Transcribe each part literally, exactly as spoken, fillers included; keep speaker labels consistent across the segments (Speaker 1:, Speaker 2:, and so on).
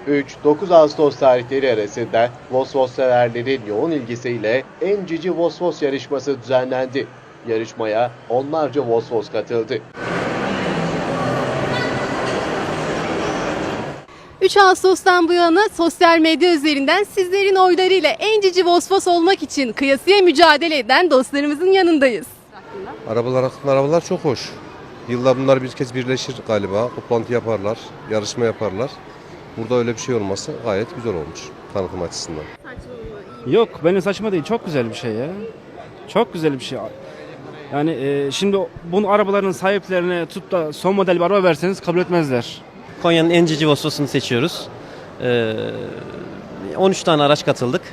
Speaker 1: üç dokuz Ağustos tarihleri arasında Vosvos severlerin yoğun ilgisiyle En Cici Vosvos yarışması düzenlendi. Yarışmaya onlarca Vosvos katıldı.
Speaker 2: üç Ağustos'tan bu yana sosyal medya üzerinden sizlerin oylarıyla en cici Vosvos olmak için kıyasıya mücadele eden dostlarımızın yanındayız.
Speaker 3: Arabalar hakkında arabalar çok hoş. Yılda bunlar bir kez birleşir galiba. Toplantı yaparlar, yarışma yaparlar. Burada öyle bir şey olması gayet güzel olmuş tanıtım açısından.
Speaker 4: Yok, benim saçma değil. Çok güzel bir şey ya. Çok güzel bir şey. Yani e, şimdi bunun arabaların sahiplerine tut da son model bir araba verseniz kabul etmezler.
Speaker 5: Konya'nın en cici Vosvos'unu seçiyoruz. Ee, on üç tane araç katıldık.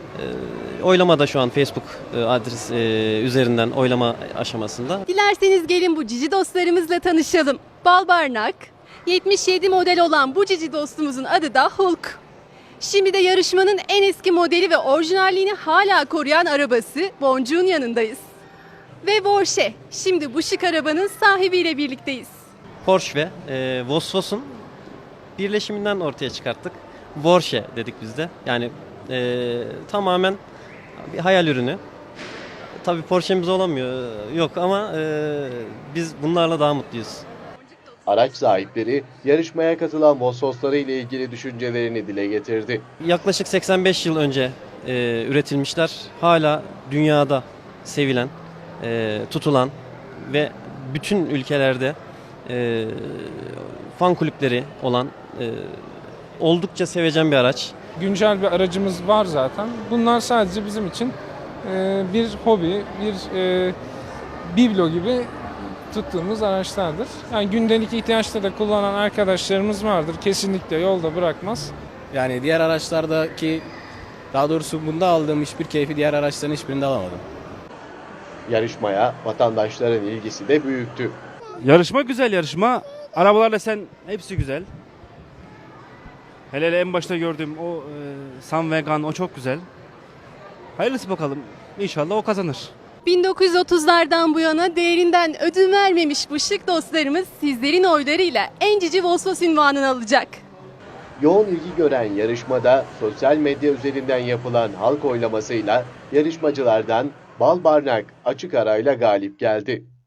Speaker 5: Ee, oylamada şu an Facebook adres e, üzerinden oylama aşamasında.
Speaker 2: Dilerseniz gelin bu cici dostlarımızla tanışalım. Balbarnak, yetmiş yedi model olan bu cici dostumuzun adı da Hulk. Şimdi de yarışmanın en eski modeli ve orijinalliğini hala koruyan arabası Boncuk'un yanındayız. Ve Porsche, şimdi bu şık arabanın sahibiyle birlikteyiz.
Speaker 5: Porsche ve e, Vosvos'un birleşiminden ortaya çıkarttık. Porsche dedik biz de. Yani e, tamamen bir hayal ürünü. Tabii Porsche'miz olamıyor, yok ama e, biz bunlarla daha mutluyuz.
Speaker 1: Araç sahipleri yarışmaya katılan Vosvosları ile ilgili düşüncelerini dile getirdi.
Speaker 5: Yaklaşık seksen beş yıl önce e, üretilmişler. Hala dünyada sevilen, e, tutulan ve bütün ülkelerde e, fan kulüpleri olan e, oldukça sevecen bir araç.
Speaker 6: Güncel bir aracımız var zaten. Bunlar sadece bizim için e, bir hobi, bir e, biblo gibi tuttuğumuz araçlardır. Yani gündelik ihtiyaçta da kullanan arkadaşlarımız vardır. Kesinlikle yolda bırakmaz.
Speaker 7: Yani diğer araçlardaki, daha doğrusu bunda aldığım hiçbir keyfi diğer araçların hiçbirinde alamadım.
Speaker 1: Yarışmaya vatandaşların ilgisi de büyüktü.
Speaker 4: Yarışma güzel yarışma. Arabalarla sen hepsi güzel. Hele hele en başta gördüğüm o e, Sun Vegan o çok güzel. Hayırlısı bakalım. İnşallah o kazanır.
Speaker 2: bin dokuz yüz otuzlardan bu yana değerinden ödün vermemiş bu şık dostlarımız sizlerin oylarıyla en cici Vosvos unvanını alacak.
Speaker 1: Yoğun ilgi gören yarışmada sosyal medya üzerinden yapılan halk oylamasıyla yarışmacılardan Balbarnak açık arayla galip geldi.